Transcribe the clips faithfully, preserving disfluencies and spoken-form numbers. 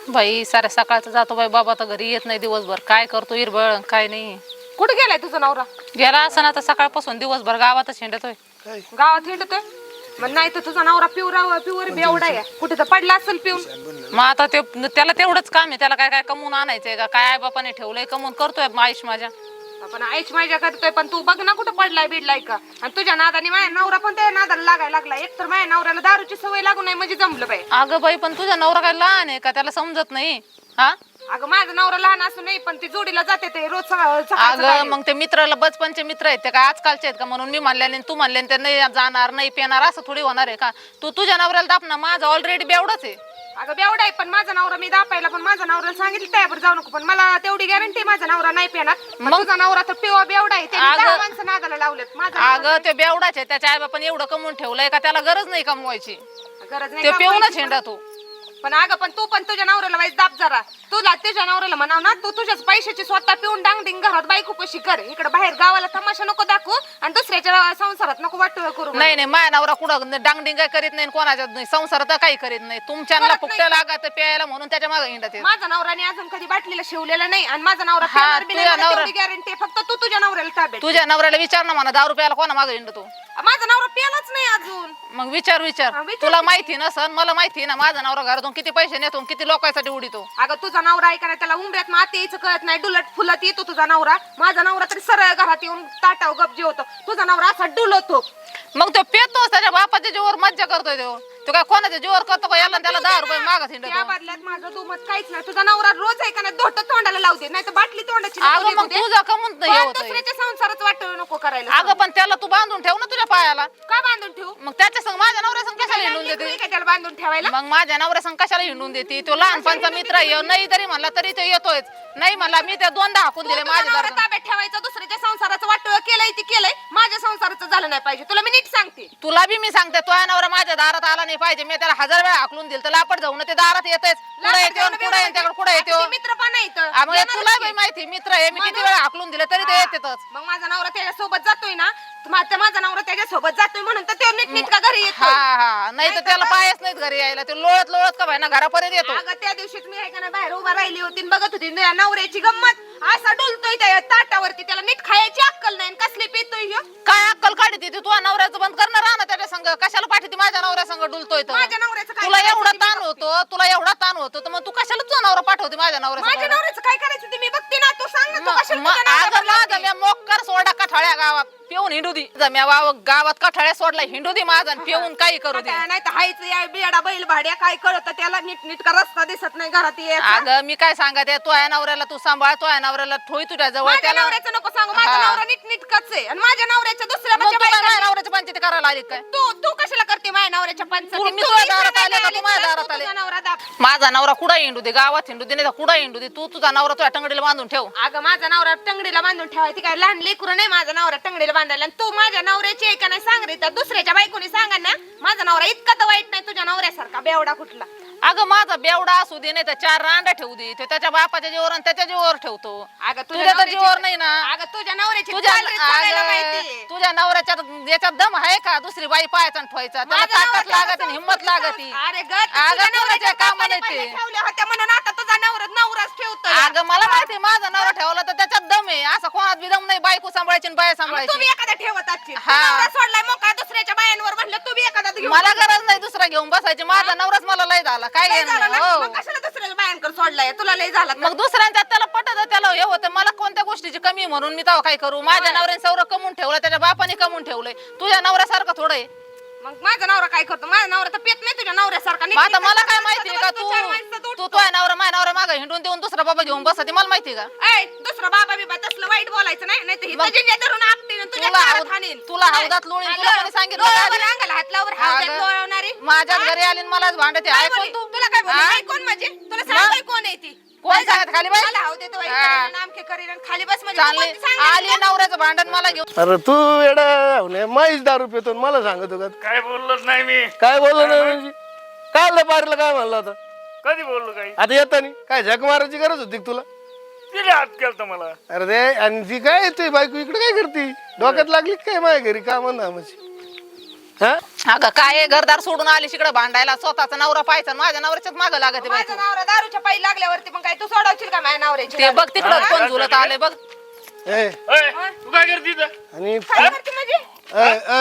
बाई साऱ्या सकाळचं जातो बाई बाबा तर घरी येत नाही दिवसभर काय करतो इरबळ काय नाही कुठे गेलाय तुझा नवरा? गेला असं ना तर सकाळपासून दिवसभर गावातच हिंडतोय गावात हिंडतोय मग नाही तर तुझा नवरा पिवरा पिवर बेवडा आहे कुठे तर पडला असेल पिऊन. मग आता ते त्याला तेवढंच काम आहे त्याला काय काय कमवून आणायचंय का काय आई बापाने ठेवलंय कमवून करतोय आयुष माझ्या आपण आईच माझ्या करतोय पण तू बघ ना कुठं पडलाय बिडलाय का. आणि तुझ्या नादाने माझ्या नवरा पण त्या नादाला लागायला लागला. एक तर माझ्या नवऱ्याला दारूची सवय लागू नाही म्हणजे जमलं बाई. अगं बाई पण तुझा नवरा काय लहान आहे का त्याला समजत नाही हा. अगं माझा नवरा लहान असू नाही पण ती जोडीला जाते ते रोज सकाळ अगं मग ते मित्राला बचपनचे मित्र आहेत ते काय आजकालचे आहेत का म्हणून मी म्हणले तू म्हणले ते नाही जाणार नाही पेणार असं थोडी होणार आहे का. तू तुझ्या नवऱ्याला दाप ना माझा ऑलरेडी बेवडाच आहे. अगं बेवडा आहे पण माझा नवरा मी दापायला पण माझा नवऱ्याला सांगितलं त्यावर जाऊ नको पण मला तेवढी गॅरंटी माझा नवरा नाही पेणार. मग तुझा नवरा तर पिवा बेवडा आहे त्याने दहा माणसं नादाला लावलेत. माझा अगं ते बेवडाच आहे त्याच्या आई बापाने एवढं कमवून ठेवलंय का त्याला गरज नाही कमवायची गरज नाही ते पिऊनच हिंडा तू. पण अगं पण तू पण तुझ्या नवऱ्याला वाईस दाब जरा. तुला तुझ्या नवऱ्याला म्हणाव ना तू तुझ्याच पैशाची स्वतः पिऊन डांगडिंग घरात बायको कशी कर. इकडे बाहेर गावाला तमाशा नको दाखवू आणि दुसऱ्याच्या संसारात नको वाटू करू. नाही नाही माझ्या नवरा कुठं डांगडिंग काय करीत नाही कोणाच्या नाही संसारात काही करीत नाही. तुमच्याला फुकट्या लागत प्यायला म्हणून त्याच्या मागे हिंडत. माझा नवराने अजून कधी बाटलीला शिवलेला नाही आणि माझा नवरा गॅरंटी फक्त तू तुझ्या नवऱ्याला ताब्यात. तुझ्या नवऱ्याला विचार ना म्हणा दारू प्यायला कोणा मागे हिंडतो. माझा नवरा प्यालाच नाही अजून. मग विचार विचार तुला माहिती नसन मला माहिती ना माझा नवरा घरातून किती पैसे नेतो किती लोकांसाठी उडीतो. अगं तुझा नवरा ऐका ना त्याला उंबऱ्यात माती यायचं कळत नाही डुलट फुलत येतो तुझा नवरा. माझा नवरा तरी सरळ घरात येऊन ताटाव गपजी होतो. तुझा नवरा असा डुलतो. मग तो पेतो त्याच्या बापाच्या जीवावर मज्जा करतोय तो. तो काय कोणाच्या जीवावर करतो का याला त्याला दहा रुपये मागत हिंडतो. त्या बदल्यात माझं दुमत काहीच नाही. तुझा नवरा रोज ऐका ना धोट तोंडाला लावू दे नाही तर बाटली तोंडाची अगं मग तुझा कमून दुसऱ्याच्या संसारात वाटू नको करायला. अगं पण त्याला तू बांधून ठेव ना तुझ्या पायाला. का बांधून ठेवू? मग त्याच्या संग माझ्या नवऱ्या संग कशाला हिंडून देते? त्याला बांधून ठेवायला मग माझ्या नवऱ्या संग कशाला हिंडून देते? तो लहानपणचा मित्र आहे नाही तरी म्हणला तरी तो येतोय. नाही म्हणला मी त्या दोनदा हाकून दिले माझ्या दारात. ताब्यात ठेवायचं दुसऱ्याच्या संसाराचं वाटोळ केलंय ती केलंय. माझ्या संसाराचं झालं नाही पाहिजे. तुला मी नीट सांगते. तुला बी मी सांगते तो नवरा माझ्या दारात आला नाही पाहिजे. मी त्याला हजार वेळा हाकलून दिल तर लापट जाऊन ते दारात येतेच. कुठे येतो कुठे त्याकडे कुठे येतो मित्र पण नाही तुला बी माहिती मित्र आहे मी किती वेळा हाकलून दिले तरी ते येतेच. मग माझा नवरा त्याच्या सोबत जातोय ना माझा नवरा त्याच्या सोबत जातोय म्हणून तर ते नीट नीट का घरी येतो. हा हा नाही तर त्याला पायच नाहीत घरी यायला. ते लोळत लोळत का ना घरापर्यंत येतो. अगं त्या दिवशीच मी ऐका ना बाहेर उभा राहिली होती बघत होती नवऱ्याची गंमत. असा डुलतोय त्या ताटावरती त्याला नीट खायची अक्कल नाही कसली पितोय ह्यो. काय अक्कल काढते तू तुझ्या नवऱ्याचं बंद करणार ना त्याच्या संग कशाला पाठीती माझ्या नवऱ्या संग डुलतोय तर. माझ्या नवऱ्याचं काय तुला एवढा ताण होतो तुला एवढा ताण होतो तर मग तू कशाला तुझा नवरा पाठवते माझ्या नवऱ्या माझ्या नवऱ्याचं काय करायचं ते मी बघते ना. तू सांग ना तू कशाला तुझ्या अगं नवऱ्यावर माझा लावते? मी मोक्कर सोडा कठाळ्या गावात पिऊन हिंडू दी जम्या वाव गावात कठाळ्या सोडला हिंडू दी माझा पिऊन काही करू दे. नाही तर हायच या बेडा बैल भाड्या काय कळत त्याला नीट नीट का रस्ता दिसत नाही घरात यायचा. अगं मी काय सांगते तो या नवऱ्याला तू सांभाळ तो या नवऱ्याला ठोई तुझ्या जवळ. माझ्या त्याला नवऱ्याचं नको सांगू. माझा हा. नवरा नीट नीट कच आहे आणि माझ्या नवऱ्याच्या दुसऱ्या मग तू काय बायका- माझ्या नवऱ्याच्या पंचायती करायला आली काय? तू तू कशाला करते माझ्या नवऱ्याच्या तू- पंचायती? मी तू तुझ्या इकडे दारात नाही आले का? आली, तू माझ्या तुला दारात तू आले? तुझा नवरा दाब. माझा नवरा कुठं हिंडू दे गावात हिंडू दे नाही तर कुठं हिंडू दे तू तुझा नवरा तुझ्या टंगडीला बांधून ठेव. अगं माझा नवरा टंगडीला बांधून ठेवायची काय लहान लेकरू नाही माझा नवरा टंगडीला बांधायला. आणि तू माझ्या नवऱ्याची आहे का नाही सांग रे. तर दुसऱ्याच्या बायकोनी सांगा ना माझा नवरा इतका तर वाईट नाही तुझ्या नवऱ्यासारखा बेवडा कुठला. अगं माझा बेवडा असू दे नाही तर चार रांडा ठेवू दे तो त्याच्या बापाच्या जीवावर आणि त्याच्या जीवावर ठेवतो. अगं तुझ्या तर नवऱ्याची- जीवावर नाही ना. अगं तुझ्या नवऱ्याची तुझ्या चाल रीत सांगायला अगं, माहितीये. तुझ्या नवऱ्याच्या याच्यात दम आहे का दुसरी बाई पाहायचा आणि ठेवायचा त्याला माझा ताकद नवरा लागत तसा हिंमत लागत. अरे ग अगं नवऱ्याच्या कामाला कामाला ते ठेवल्या होत्या म्हणून आता तुझा नवरा नवराच ठेवतोय. अगं मला माहिती माझा नवरा ठेवला तर त्याच्यात दम आहे. असं कोणात बी दम नाही बायको सांभाळायची आणि बाया मग तुम्ही सांभाळायची. एखादा ठेवत असशील. हा. नवरा सोडलाय मग का दुसऱ्याच्या बायांवर म्हणलं तुम्ही एखादा घेऊन मला गरज नाही दुसरा घेऊन बसायची. माझा नवराच मला लय झाला काय लय घेणं झालं ना? हो. मग कशाला दुसऱ्याच्या बायांकडे सोडलाय तुला लय झाला तर? मग दुसऱ्यांच्यात त्याला पटत त्याला हे होतं मला कोणत्या गोष्टीची कमी म्हणून मी तेव्हा काय करू. माझ्या नवऱ्याने सौर कमवून ठेवलं त्याच्या बापाने कमवून ठेवलंय. तुझ्या नवऱ्यासारखं थोडं आहे. मग माझा नवरा काय करतो? माझा नवरा तर पेत नाही तुझ्या नवऱ्यासारखा. मग आता मला काय नीट माहितीये का तू चार माणसं तू उठतो. तुझ्या नवरा माझ्या नवरा मागे हिंडून देऊन दुसरा बाबा घेऊन बसते मला माहिती का? ऐ, दुसरा बाबा बिबा तसलं वाईट बोलायचं नाही. नाही तर मग- हिथं जिंज्या धरून आपटीन तुझ्या तुला कानात हाव- हाणीन. तुला नाही. हौदात लोळीन. हा, तुला लो- कोणी सांगितलं लोळावर का आधी? अंगाला हात लावर हौदात अगं, लोळवणारी. माझ्याच हा? घरी आली आणि मलाच भांडते काय ऐकून बोलली? तू तुला काय बोलली? हा? काय कोण म्हणजे? तुला सांगतोय कोण आहे ती? कोण सांगत खाली बाई? मला हाव देतो बाई, हा. करीन, आमके करीन आणि खाली बस म्हणजे तू चालले कोणती सांगायची आली का? नवऱ्याचं भांडण मला घेऊन. अरे तू एवढा माहीच दारू पितो मला सांगतो का? काय बोललोच नाही मी. काय बोललो नाही म्हणजे काय पारीला काय म्हणलं आता? कधी बोललो काही? आता येतानी काय झक मारायची गरज होती का तुला? तिने हात केलता मला. अरे ते आणि ती काय येते बायको इकडे काय करते? डोक्यात लागली का काय माझ्या घरी का म्हणा म्हणजे हा अगं काय आहे, घरदार सोडून आली तिकडे भांडायला, स्वतःचा नवरा पाहायचा, माझ्या नवऱ्याच्याच मागं लागत माझा नवरा दारूच्या पायी लागल्यावरती मग काय तू सोडवशील का माझ्या नवऱ्याची ते बघ तिकडं कोण झुलत आले बघ. ए, ओय, तू काय करते इथं? आणि काय करते म्हणजे ए, ए,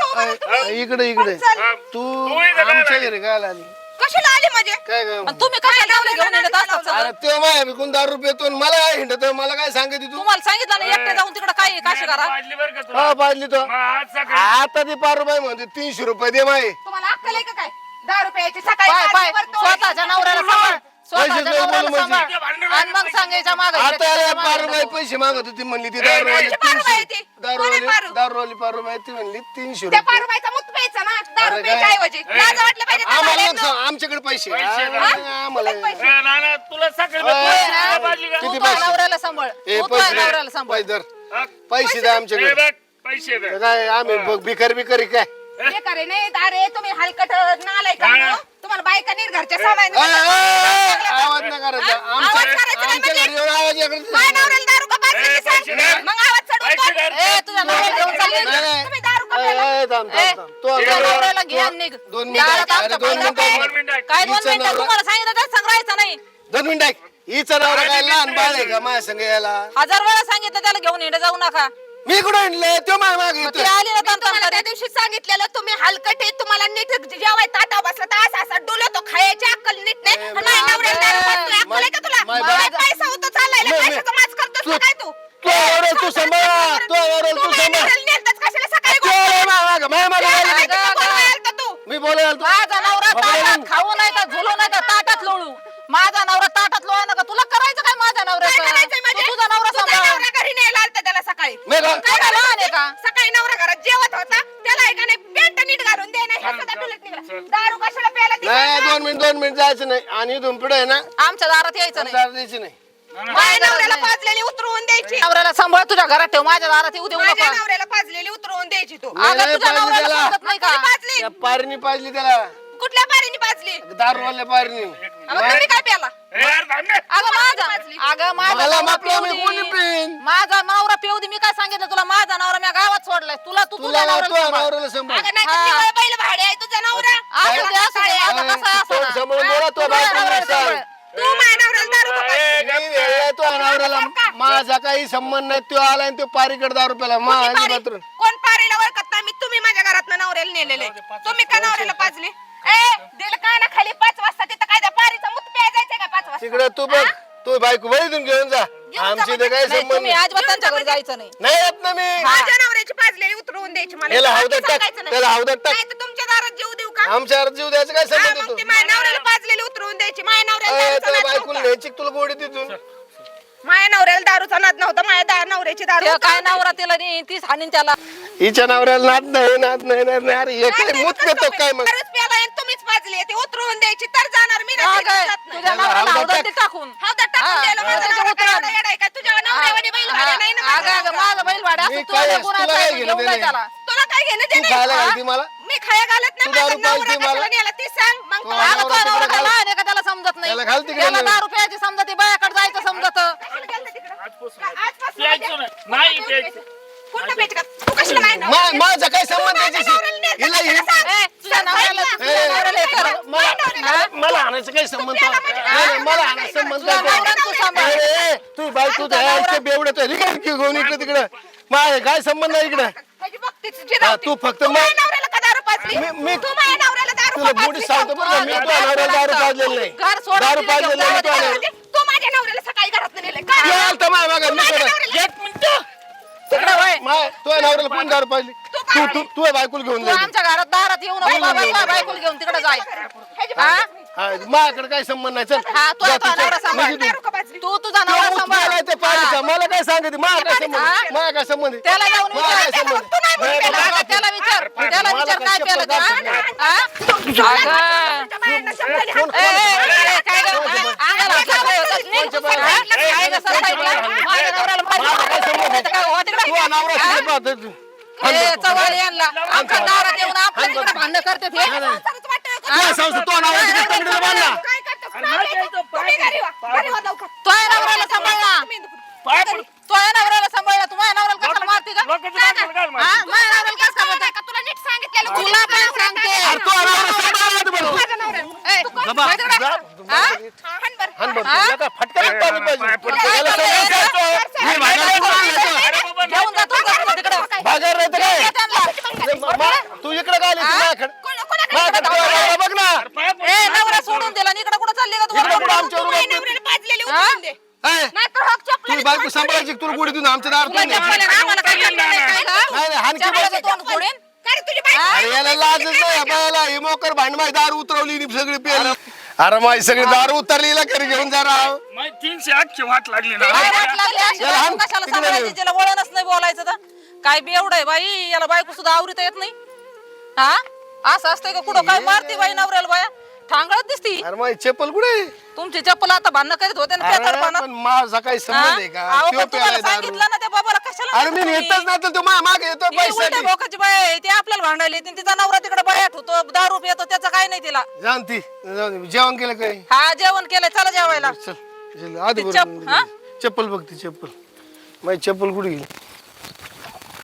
ए, ए, इकडे इकडे चल. हा, तू तू इथं काय आमच्या आली? घरी काय आली कशाला आली म्हणजे काय काय आणि तुम्ही कशा लावले घेऊन येत असतात सगळं? अरे ते माय विकून दारू रुपये मला काय हिंडत मला काय सांगते तू तुम्हाला सांगितलं ना एकटे जाऊन तिकडे काय आहे, काशी करा. पाजली बरं का तुला? हा पाजली तो मग आज सकाळी आता ती पाच रुपये म्हणते तीनशे रुपये दे माय तुम्हाला अक्कल आहे का काय दहा रुपयाची सकाळी पाय पाय पाचशेवर तो- स्वतःच्या नवऱ्याला सांभाळ, स्वतःच्या पैसे देऊ नवऱ्याला बोलू सांभाळ. म्हणजे. आणि मग सांगायच्या मागे आता याला पाच रुपये पैसे मागत होती म्हणली ती दारूवाली कोणाची पारू तीनशे बाई ती? दारूवाली कोणी पारू? दारूवाली पाच रुपये ती म्हणली तीनशे त्या रुपये पारुबाईचा मुत प्यायचा ना दहा अरे रुपयाच्या काय? ऐवजी लाज वाटलं पाहिजे त्या आम्हाला बाळांनो. नको सांग, आमच्याकडे पैसे पैसे आ, द्या. आम्हाला किती पैसे? ए, नाना, तुला सकाळी ओय, तुला पाजली का? तू किती तुझ्या पैसे? नवऱ्याला सांभाळ, ए तू तुझ्या पैसे नवऱ्याला सांभाळ. पैसे धर. हा? पैसे द्या ए, आमच्याकडे बघ, पैसे दे. काय आम्ही बघ भिकारी बिकारी काय बेकार आहे, नाही अरे तुम्ही हलकट नालाय का नाना. तुम्हाला बायका नीट घरच्या सामान ओय, ओय, ओय, आवाज नाही करायचा हा? आमच्या आवाज करायचा नाही आमच्या म्हणजे? घरी येऊन आवाज माझ्या याकडे नवऱ्याला दारू का पाजली ए, ते सांग. पैसे द्या. मग आवाज चढवून पैसे बोल. द्या. ए तुझ्या नवऱ्याला घेऊन चालली. नाही, नाही. तुम्ही दारू का ए, प्यायला? ए, थांब, ए, थांब, थांब. तो तुझ्या आता- नवऱ्याला घे आणि निघ. दोन या मिनिटं आता अरे आमच्या दोन बाईला मिनिटं दोन मिनिटं. काय दोन हिचं मिनिटं नवरा- तुम्हाला सांगितलं तर सांगायचं नाही. दोन मिनिटं ऐक. हिचा नवरा काय लहान बाळ आहे का माझ्या संग यायला हजार वेळा सांगितलं त्याला घेऊन येणं जाऊ नका. मी कुठे आणले तो माझ्या मागे मग ती येतोय. आली ना मी तंतन तुम्हाला त्या करीत. दिवशी सांगितलेलं तुम्ही हलकट आहे तुम्हाला नीट जेवाय ताटा बसला तर असा असा डुलतो खायची अक्कल नीट नाही ए, आणि माझ्या नवऱ्याला दारू पाजतोय, अक्कल आहे का तुला मा- काय मा- पैसा होतो चाललाय मी- मी- पैशाचा माज करतोस का तू- काय तू तू आवरेल, तू सांभाळ, तू आवरेल, तू माझ्या सांभाळ. नवऱ्याला नेलतंच कशाला सकाळी तू आवरेल, माझ्या मागे, माझ्या मागे काय आली. माहिती का कोण मारलं तू? मी बोलायला तू माझा नवरा बाबा, ताटात खाऊ नाही तर झुलू नाही तर ताटात लोळू. माझा नवरा ताटात लोळा नका. तुला करायचं काय माझ्या काय नवऱ्याचं? करायचंय तू म्हणजे? तुझा नवरा तुझा सांभाळ. नवरा घरी न्यायला आलता त्याला सकाळी मी का- काय काय झालं? लहान आहे का? सकाळी नवरा घरात जेवत होता त्याला आहे का नाही पॅन्ट नीट घालून दे नाही ह्याचा डुलत निघाला दारू कशाला प्यायला ती नाही सांगा? दोन मिनिट दोन मिनिट जायचं नाही आणि इथून पुढे आहे ना आमच्या दारात यायचं नाही. दारू द्यायची नाही माझ्या नवऱ्याला पाजलेली उतरवून द्यायची नवऱ्याला सांभाळ, तुझ्या घरात ठेव, माझ्या दारात येऊ देऊ माझ्या नका. नवऱ्याला पाजलेली उतरवून द्यायची तू नाही, अगं नाही तुझ्या पाजली नवऱ्याला त्याला. समजत नाही का? कोणी पाजली त्या पारीनी पाजली त्याला कुठल्या पारीने पाजली दारूवाल्या पारीनी मग तुम्ही काय प्याला ए, यार, थांब ना. अगं माझा अगं माझा मला नवरा मापला पिऊ मी दे. कोणी पिन माझा नवरा पिऊ दे. मी काय सांगितलं तुला? माझा नवरा मी गावात सोडलाय. तुला तू तुला तुझ्या नवऱ्याला तुझ्या सांभाळ. नवऱ्याला सांभाळ अगं नाही हा. तर बैल भाडे आहे तुझा नवरा असू दे, असू दे. आता कसं आहे, असं तोंड ना. सांभाळून बोला तो तुझ्या बायकोला नवऱ्याला सांग. सांभाळ. तू माझ्या नवऱ्याला दारू का पाजली? ए, मी वेळेला तो नवऱ्याला माझा काही संबंध नाही तो आला आणि तो पारीकडे दारू प्याला मा कोणी आणि पारी- मात्र कोण पारीला ओळखत नाही मी तुम्ही माझ्या घरात नवऱ्याला नेलेले तुम्ही का नवऱ्याला पाजली ए दिल का ना खाली पाच वाजता तिथं काय त्या पारीचा मुत प्याय जायचंय का पाच वाजता तिकडे तू बघ तू बायको बळीतून घेऊन जा जा आमची ते काही नाही, संबंध तुम्ही नाही अजिबात त्यांच्या घरी जायचं नाही. नाही येत ना मी माझ्या नवऱ्याची पाजलेली उतरवून द्यायची मला याला बाकी हौदात टाक, सांगायचं नाही. त्याला हौदात टाक. नाही तर तुमच्या दारात जीव देऊ का आमच्या जीव द्यायचं काय हा, संबंध मग तू ती माझ्या नवऱ्याला पाजलेली उतरवून द्यायची माझ्या नवऱ्याला दारूचा नाद बायकोला नव्हता. न्यायची तुला गोडी तिथून माझ्या नवऱ्याला दारूचा नाद नव्हता माझ्या दा- नवऱ्याची दारू ते काय उतरवून नवरा तिला नाही तीच हाणीन त्याला. हिच्या नवऱ्याला नाद नाही नाद नाही नाद नाही अरे हे काय द्यायची. मूत कसं पेतो काय मग दारूच प्यायला आणि तुम्हीच पाजली ती उतरवून द्यायची तर जाणार मी का नाही गं? जात नाही. तुझ्या याला नवऱ्याला हौदात हौदात टाक. ते टाकून. हौदात टाकून हा, द्यायला माझा त्याच्या नवरा काय उतरात. एवढा येडा आहे काय? तुझ्या नवऱ्यावानी बैल भाड्या नाही ना हा, माझा अगं, अगं, नवरा. माझा बैल भाडा मी असतो. काय- तुला तुला कोणाचा काय आहे? घेणं घेऊन जाय देणं? त्याला. तुला काय घेणं तू देणं खायला आहे? घालती मला मी खाया घालत नाही तू माझा दारू नवरा पाजती मला? कशाला नेला ती सांग मग तू तो अगं, नवरा तुझा तिकडे नवरा काय घाल. लहान आहे का त्याला समजत नाही? त्याला घाल तिकडे त्याला नेऊन. दारू प्यायची समजत, बायाकडे जायचं समजत. कशाला गेलता तिकडं? आजपासून आजपासून प्यायचं माझ्या- नाही. नाही प्यायचं. कुठं प्यायचं का? तू कशाला माझ्या मा- नवऱ्याला- माझा काय संबंध तू माझ्या त्याच्याशी? नवऱ्याला नेलता हिला कशाला ही- सांग? ए, तुझ्या सांग, नवऱ्याला सांग. तुझ्या नवऱ्याला हे कर. मला मला आणायचं काही संबंध नाही, नाही, मला आणायचं संबंध तुझ्या नाही. नवऱ्याला तू सांभाळ. अरे, तू बायको बेवडत घेऊन इकडे तिकडे माझ्या काय संबंध नाही इकडे माझी भक्तीची हा, जिरावती. तू फक्त तू मा- माझ्या नवऱ्याला का दारू पाजली? मी- मी- तू माझ्या नवऱ्याला दारू तुला का मोठी पाजली? सांगतो बरं का, मी घर तो नवऱ्याला दारू पाजलेलं नाही घर सोडून दारू तिला पाजलेलं घेऊन नाही तो जाऊ दे. नवरा. तू माझ्या नवऱ्याला सकाळी घरात नेले का? तू आलता माझ्या मागं, तू मी माझ्या करत. नवऱ्याला- एक मिनिट. तिकडे वळ. माय तुझ्या नवऱ्याला कोण दारू पाजली तू तू तू बायकोला घेऊन तू जाईल आमच्या घरात दारात येऊ नको बाबा. तुझ्या बायकोला घेऊन तिकडे जाय. ह्याची हा? हा माझ्याकडे काय संबंध नाही चल हा, तू जा आता तिच्या- नवरा सांभाळ. म्हणजे दारू का पाजली? तू तुझा तो नवरा मुत सांभाळ. प्यायलाय ते पारीचा. हा. मला काय सांगते माझा काय संबंध हा? माझा काय संबंध आहे? त्याला जाऊन मला काय विचार. संबंध तू नाही नाही, मुत मला- त्याला त्याला विचार त्याला मला विचार काय काय शपथ प्यालं ते, दाखवत हा? नाही. हा? अगं. तुमच्या बायांना सांभाळली. कोण- ए, ए, ए, ए, काय गं? हा? अंगाला हात लावला होतास नाही? कोणच्या बाया? हा? काय गं, सरसाईला? माझ्या नवऱ्याला मला काय संबंध माहिती आहे? का? हो तिकडे. तू अनावरा हा? शिकत पाहतो तू. ए, चव्हाण यांना आमच्या दारात येऊन आपल्या तिकडे भांडण करते ते. संसारच वाटतं का? तुला सांगतो तो अनावरा तिकडे तंगडीला बांधला काय करतोस? अरे नाही प्यायचं. तुम्ही घरी वा. घरी वा लवकर. तो आहे नवऱ्याला सांभाळला. तुम्ही इथं- पाय पड. तो आहे नवऱ्याला सांभाळला. तू माझ्या नवऱ्याला कशाला मारते का? लोकांचं नाक काय हा? मारते? माझ्या नवऱ्याला कसं कळलं सांभाळते? नाही का? तुला नीट सांगितलेलं तुला पण सांगते अरे तो नवरा सांभाळा ना तुम्हाला. माझ्या नवऱ्याला. ए, बाबा, वळ तिकडं. जा. हा? हाण बरं. हाण बरं, तुला काय फटका नाही पाडला पाहिजे. पाय पडतो. याला सगळं द्यायचं. हे भागार कोण आणायचं? अरे बाबा, घेऊन जातो का तुला तिकडं? भागार नाही तर काय? ये त्यांना. मा- तू इकडे काय आली? तू माझ्याकडे. कोण- कोणाकडे माझ्याकडे इकडे तुझा नवरा बघ ना. पाय पडतो. ए नवरा सोडून दिला आणि इकडे कुठं चालली का इकडे कुठं तू आमच्या तू माझ्या रूमात? नवऱ्याला पाजलेली हा? उचलून दे. ए, नाहीतर हक तुझी चपलाने बायको फाड सांभाळायची तुला गुढी देऊन आमच्या दारात तुला नाही. चप्पल आहे ना, आम्हाला काय करणार नाही काय का? नाही नाही हाणकी चप्पलाचं बाई. तोंड फोडेन. काय रे तुझी बायको? अरे याला लाजच नाही या बायाला. ही मोकर भांडमाई दारू उतरवली आणि सगळी पेली. अरे माई सगळी दारू उतरली हिला घरी घेऊन जा राव. मग तीनशे अख्खी वाट लागली ना काय वाट लागली अशी याला बायको हाण, कशाला तिकडे सांभाळायची नेऊ. तिला वळणच नाही बोलायचं तर काय बी एवढं आहे बाई याला बायको सुद्धा आवरीता येत नाही हा असं असतंय का कुठं काय मारती बाई नवऱ्याला बाया ठांगळत दिसती अरे माई चप्पल कुठे आहे? तुमची चप्पल आता भांडणं करीत होते ना अरे पेताडपणात. पण माझा काही हा? संबंध आहे का? अहो, त्यो पण तुम्हाला प्यायलाय दारू. सांगितलं ना त्या बाबाला कशाला अरे मी नेता नेतच तुम्ही? नाही तर तो माझ्या मागे येतो ही उलट्या पैसा भोकाची बाई आहे, ती आपल्याला भांडायला येते तिचा नवरा तिकडे बायात होतो दारू पितो त्याचं काय नाही तिला जाण ती जाऊ दे. जेवण केलं काय? हा जेवण केलंय चला जेवायला चल चल, आधी ती बरोबर. चप- हा? चप्पल बघ ती चप्पल माझी चप्पल कुठे गेली?